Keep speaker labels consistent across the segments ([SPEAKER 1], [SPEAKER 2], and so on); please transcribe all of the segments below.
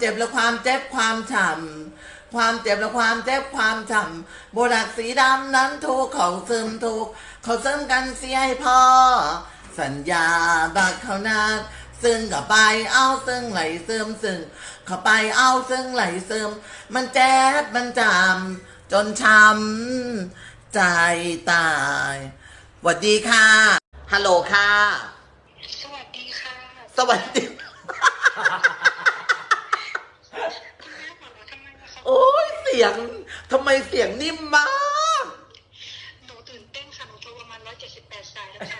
[SPEAKER 1] จ็บและความเจ็บความช้ำความเจ็บและความเจ็บความช้ำโบรักสีดำนั้นทุกเขาซึมทุกเขาซึมกันเสียให้พ่อสัญญาบักเขานักซึ่งกับไปเอาซึ่งไหลซึมซึ่งเข้าไปเอาซึ่งไหลซึมมันเจ็บมันจำจนช้ำใจตายสวัสดีค่ะฮัลโหลค่ะ
[SPEAKER 2] สวัสดีค่ะ
[SPEAKER 1] สวัสดีโอ้ยเสียงทำไมเสียงนิ่มมาก
[SPEAKER 2] หนูตื่นเต้นค่ะหนูโทรประมาณ178 สายแล้วค่ะ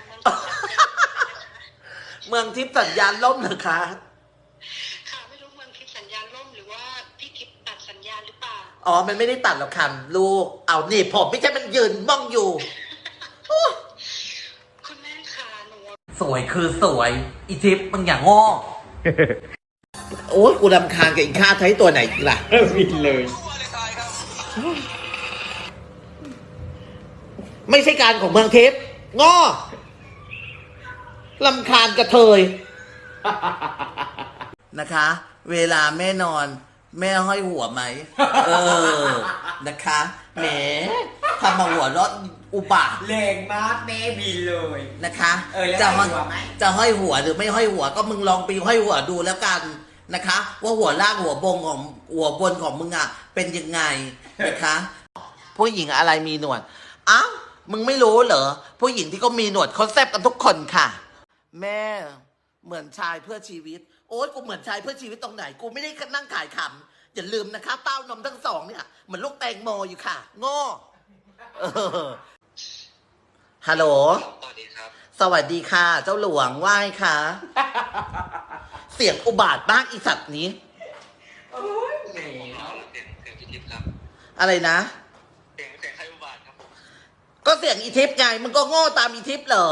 [SPEAKER 1] เมืองทิพย์สัญญาณล่มเหรอคะ
[SPEAKER 2] ค่ะไม่รู้เมืองทิพย์สัญญาณล่มหรือว่าพี่ทิพย์ตัดสัญญาณหรือเปล่า
[SPEAKER 1] อ๋อมันไม่ได้ตัดหรอกค่ะลูกเอานี่ผมไม่ใช่มันยืนบ้องอยู่
[SPEAKER 2] คุณแม่ค่ะหนู
[SPEAKER 1] สวยคือสวยอีทิพย์มึงอย่างโง่โอ้ยกูรำคาญกับอีข้าใช้ตัวไหนล่ะ
[SPEAKER 3] วินเลย
[SPEAKER 1] ไม่ใช่การของเมืองทิพย์ง้อรำคาญกระเทยนะคะ เวลาแม่นอนแม่ห้อยหัวไหมนะคะแหมทำมาหัวรถอุบาท
[SPEAKER 3] แรงมากแม่บินเลย
[SPEAKER 1] นะคะจะห้อยหัวหรือไม่ห้อยหัวก็มึงลองไปห้อยหัวดูแล้วกันนะคะว่าหัวล่างหัวบนของมึงอ่ะเป็นยังไงนะคะผู้หญิงอะไรมีหนวดอ้าวมึงไม่รู้เหรอผู้หญิงที่ก็มีหนวดเขาแซ่บกันทุกคนค่ะแม่เหมือนชายเพื่อชีวิตโอ๊ยกูเหมือนชายเพื่อชีวิตตรงไหนกูไม่ได้นั่งขายขำอย่าลืมนะคะเต้านมทั้งสองเนี่ยเหมือนลูกแตงโมอยู่ค่ะโง่ฮัลโหล
[SPEAKER 3] สวัสดีครับ
[SPEAKER 1] สวัสดีค่ะเจ้าหลวงไหว้ค่ะเสียงอุบาทบ้างอีสัตว์นี้
[SPEAKER 3] โอ้ยเสียงพี่ทิพย์ครับ
[SPEAKER 1] อะไรนะ
[SPEAKER 3] เสียงใครอุบาทครับ
[SPEAKER 1] ก็เสียงอีทิพย์ไงมึงก็โง่ตามอีทิพย์เหรอ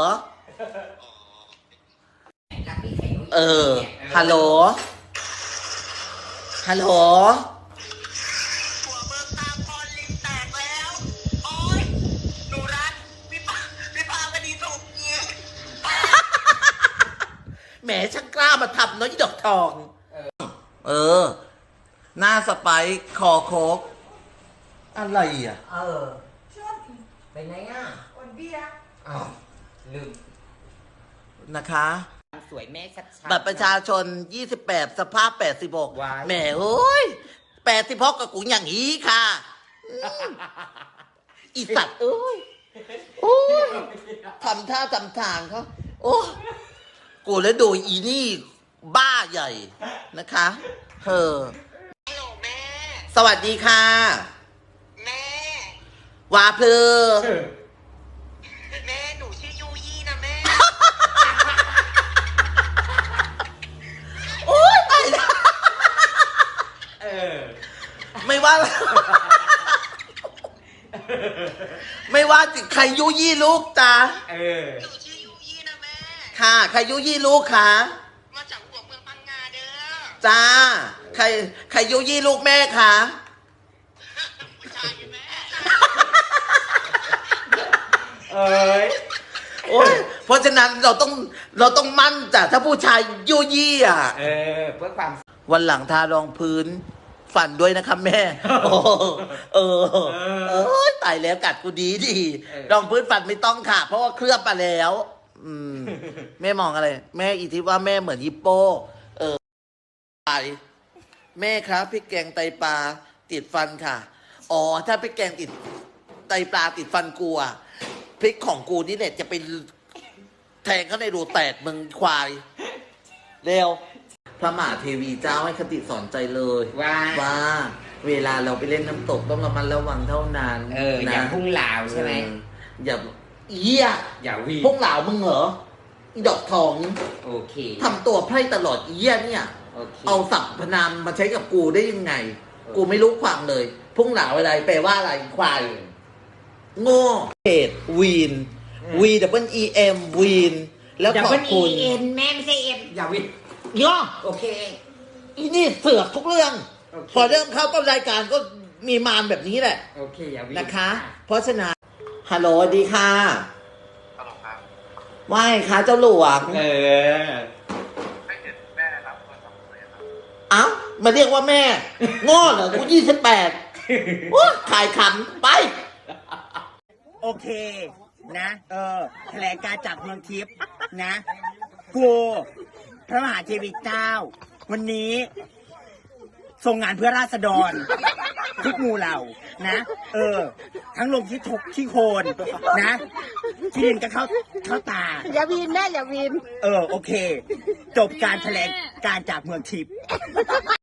[SPEAKER 1] ฮัลโหลฮัลโหล
[SPEAKER 2] หัวเมืองตาพรลิงแตกแล้วโอ๊ยหนูรักพี่พาคดีถูกยิง
[SPEAKER 1] แหมช่างกล้ามาทำเนาะอีดอกทองหน้าสไปค์คอโคกอะไรอ่ะ
[SPEAKER 4] ชอบไปไหนอ่ะวันเบียร์อ้าวลืม
[SPEAKER 1] นะคะ
[SPEAKER 4] สวยแม่ชัด
[SPEAKER 1] บัตรประชาชน28สภาพ86แหมเฮ้ย86กับกูอย่างนี้ค่ะอีสัตว์เอ้ยโอ้ยทำท่าทำทางเขาโอ้กูแล้วดูอีนี่บ้าใหญ่นะคะ
[SPEAKER 2] ฮัลโหลแม่
[SPEAKER 1] สวัสดีค่ะ
[SPEAKER 2] แม่
[SPEAKER 1] วาเพล
[SPEAKER 2] แม่หนูชื่อยูยี่นะแม่
[SPEAKER 1] โอ๊ยตายแล้วไม่ว่าไม่ว่าใครยุยี่ลูกจ้า
[SPEAKER 2] หนูชื่อยูยี่นะแม่
[SPEAKER 1] ค่ะใครยุยี่ลูกคะ
[SPEAKER 2] มาจากหัวเมืองพังงาเด้อ
[SPEAKER 1] จ้าใครยุยี่ลูกแม่คะ
[SPEAKER 2] ผู้ชายแม่
[SPEAKER 1] โอ้ยเพราะฉะนั้นเราต้องมั่นจ้ะถ้าผู้ชายยุยี่อ่ะ
[SPEAKER 4] เพื่อความ
[SPEAKER 1] วันหลังทารองพื้นฝันด้วยนะคะแม่ตายแล้วกัดกูดีรองพื้นฝันไม่ต้องค่ะเพราะว่าเคลือบมาแล้วแม่มองอะไรแม่อีทิว่าแม่เหมือนฮิปโปไปแม่ครับพริกแกงไตปลาติดฟันค่ะอ๋อถ้าพริกแกงติดไตปลาติดฟันกูอ่ะพริกของกูนี่เนี่ยจะไปแทงเข้าในรูแตกมึงควายเร็วพระมหาเทวีเจ้าให้คติสอนใจเลยว่าเวลาเราไปเล่นน้ำตกต้องระมัดระวังเท่านั้น
[SPEAKER 4] อย่าพุ่งเหลาใช่ไหม
[SPEAKER 1] อย่าอย่า
[SPEAKER 4] วิ่ง
[SPEAKER 1] พุ่งเหลามึงเหรออีดอกทอง
[SPEAKER 4] โอเค
[SPEAKER 1] ทำตัวไพร่ตลอดเนี่ยเอาศัพท์พนามมาใช้กับกูได้ยังไงกูไม่รู้ความเลยพุ่งเหลาอะไรแปลว่าอะไรควายโง่เพจวีนWEM วีนแล้วขอบคุณ
[SPEAKER 4] แม่ไม่ใช่เอ็มอย่าวิ่ง
[SPEAKER 1] ย่อ
[SPEAKER 4] โอเค
[SPEAKER 1] อีนี่เสือกทุกเรื่องพอเริ่มเข้าต้นรายการก็มีมารแบบนี้แหละ
[SPEAKER 4] โอเคอย่าวิ่ง
[SPEAKER 1] นะคะเพราะฉะนั้นฮัลโหลดีค่ะ
[SPEAKER 3] ฮัลโหลครับ
[SPEAKER 1] ว่าไงคะเจ้าหลวง
[SPEAKER 3] ไม่เห็นแม่รับโทรศัพท์เลยครับ
[SPEAKER 1] เอ้ามาเรียกว่าแม่โง่เหรอกู28ว้าขายขำไป
[SPEAKER 5] โอเคนะแถลงการจากเมืองทิพย์นะกูพระมหาเทวีเจ้า วันนี้ทรงงานเพื่อราษฎรทุกหมู่เหล่านะทั้งลงที่ทุกที่โคนนะที่ดินก็เข้าตา
[SPEAKER 6] อย่าวินแม่อย่าวิน
[SPEAKER 5] โอเค จบการแถลงการจากเมืองทิพย์